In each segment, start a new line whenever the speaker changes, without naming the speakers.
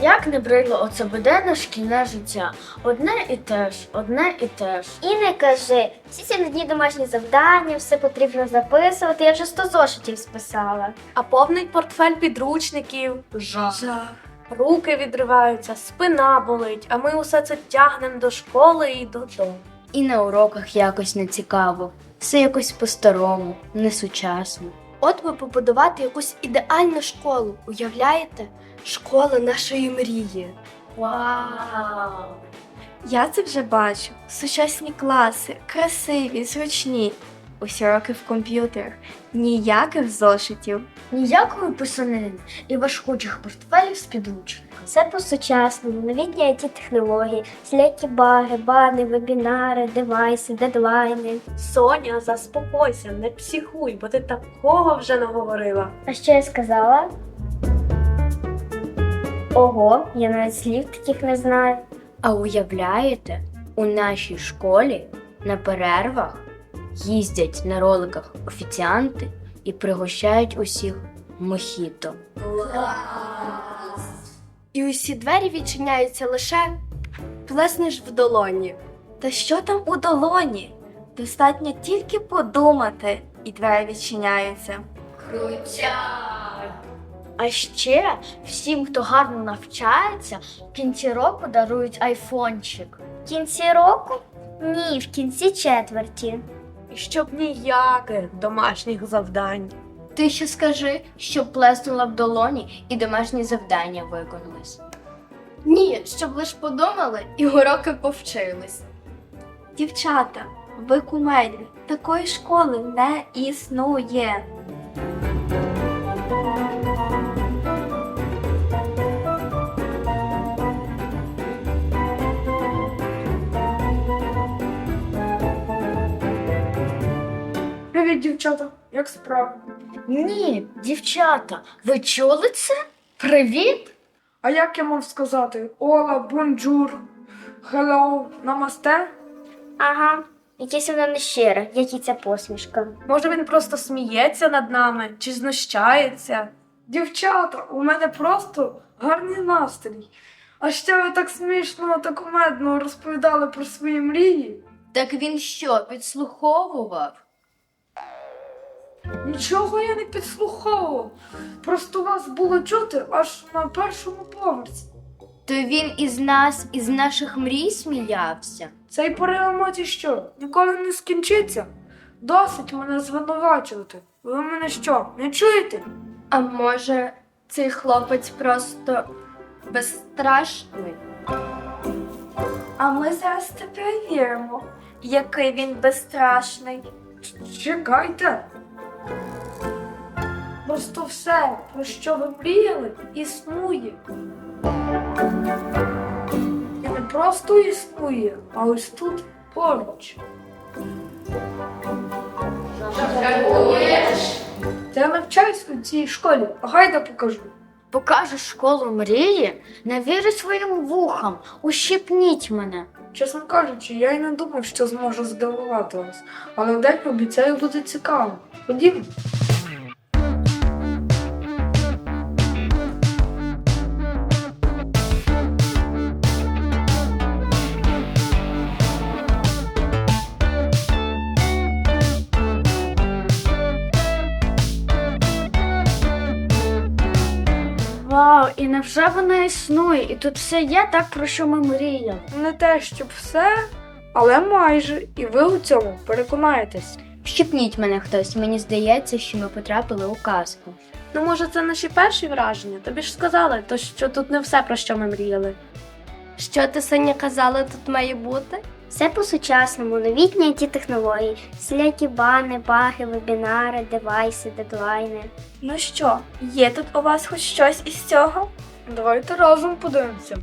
Як не брило оце буденне шкільне життя. Одне і те ж, одне і те ж.
І не кажи, всі ці дні домашні завдання, все потрібно записувати, я вже 100 зошитів списала.
А повний портфель підручників. Жах. Руки відриваються, спина болить, а ми усе це тягнемо до школи і додому.
І на уроках якось не цікаво. Все якось по-старому, несучасно.
От би побудувати якусь ідеальну школу, уявляєте? Школа нашої мрії.
Вау!
Я це вже бачу. Сучасні класи, красиві, зручні. Усі роки в комп'ютерах. Ніяких зошитів.
Ніякої писанини і важкучих портфелів з підручниками.
Все по-сучасному, новітні IT-технології, всілякі баги, бани, вебінари, девайси, дедлайни.
Соня, заспокойся, не психуй, бо ти такого вже наговорила.
А що я сказала? Ого, я навіть слів таких не знаю.
А уявляєте, у нашій школі на перервах їздять на роликах офіціанти і пригощають усіх мохіто.
І усі двері відчиняються лише плеснеш в долоні. Та що там у долоні? Достатньо тільки подумати, і двері відчиняються.
А ще всім, хто гарно навчається, в кінці року дарують айфончик.
В кінці року? Ні, в кінці четверті.
І щоб ніяких домашніх завдань.
Ти ще скажи, щоб плеснула в долоні і домашні завдання виконались.
Ні, щоб лиш подумали і уроки повчились. Дівчата, ви кумедні, такої школи не існує.
Привіт, дівчата, як справи?
Ні, дівчата, ви чули це? Привіт!
А як я мав сказати? Ола, бонджур, хеллоу, намасте?
Ага, якесь воно нещире, як і ця посмішка.
Може він просто сміється над нами чи знущається?
Дівчата, у мене просто гарний настрій. А ще ви так смішно та кумедно розповідали про свої мрії.
Так він що, підслуховував?
Нічого я не підслуховував. Просто вас було чути аж на першому поверсі.
То він із нас, із наших мрій сміявся?
Цей порив емоцій що, ніколи не скінчиться? Досить мене звинувачувати. Ви мене що, не чуєте?
А може, цей хлопець просто безстрашний? А ми зараз це перевіримо, який він безстрашний.
Чекайте. Просто все, про що ви мріяли, існує. І не просто існує, а ось тут поруч. Я навчаюсь у цій школі, гайда покажу.
Покажеш школу мрії? Не вірю своїм вухам, ущипніть мене.
Чесно кажучи, я й не думав, що зможу здивувати вас. Але день обіцяю буде цікаво. Ходімо.
Вау, і невже вона існує? І тут все є так, про що ми мріяли.
Не те, щоб все, але майже. І ви у цьому переконаєтесь.
Щепніть мене хтось, мені здається, що ми потрапили у казку.
Ну, може, це наші перші враження? Тобі ж сказали, то що тут не все, про що ми мріяли.
Що ти, Соня, казала, тут має бути?
Все по-сучасному, новітні IT-технології, всілякі бани, баги, вебінари, девайси, дедлайни.
Ну що, є тут у вас хоч щось із цього?
Давайте разом подивимося.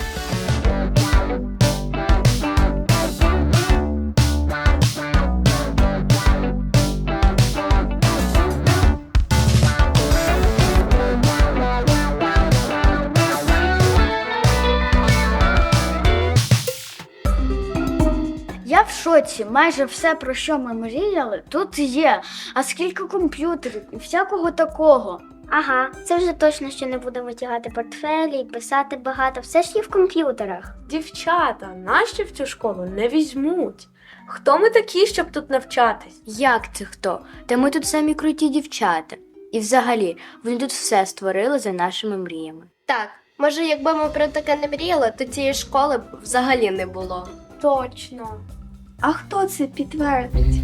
Я в шоці, майже все, про що ми мріяли, тут є. А скільки комп'ютерів і всякого такого.
Ага, це вже точно, що не будемо тягати портфелі і писати багато, все ж є в комп'ютерах.
Дівчата, нащо в цю школу не візьмуть? Хто ми такі, щоб тут навчатись?
Як це хто? Та ми тут самі круті дівчата. І взагалі, вони тут все створили за нашими мріями.
Так, може, якби ми про таке не мріяли, то цієї школи б взагалі не було.
Точно.
А хто це підтвердить?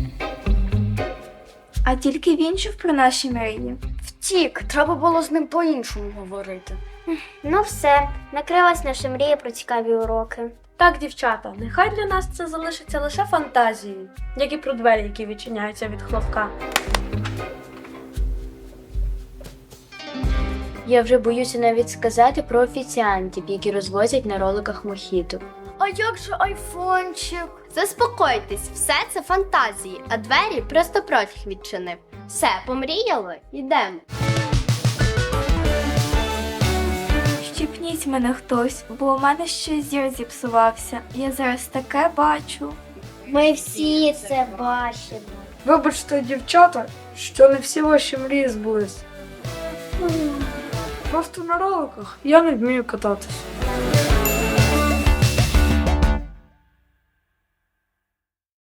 А тільки він чув про наші мрії.
Втік, треба було з ним по-іншому говорити.
Ну все, накрилась наша мрія про цікаві уроки.
Так, дівчата, нехай для нас це залишиться лише фантазією, як і про двері, які відчиняються від хлопка.
Я вже боюся навіть сказати про офіціантів, які розвозять на роликах мохіто.
А як же айфончик?
Заспокойтесь, все це фантазії, а двері просто протяг відчинив. Все, помріяли? Йдемо.
Щіпніть мене хтось, бо у мене щось зір зіпсувався. Я зараз таке бачу.
Ми всі це бачимо.
Вибачте, дівчата, що не всі ваші мрії збулись. Просто на роликах я не вмію кататись.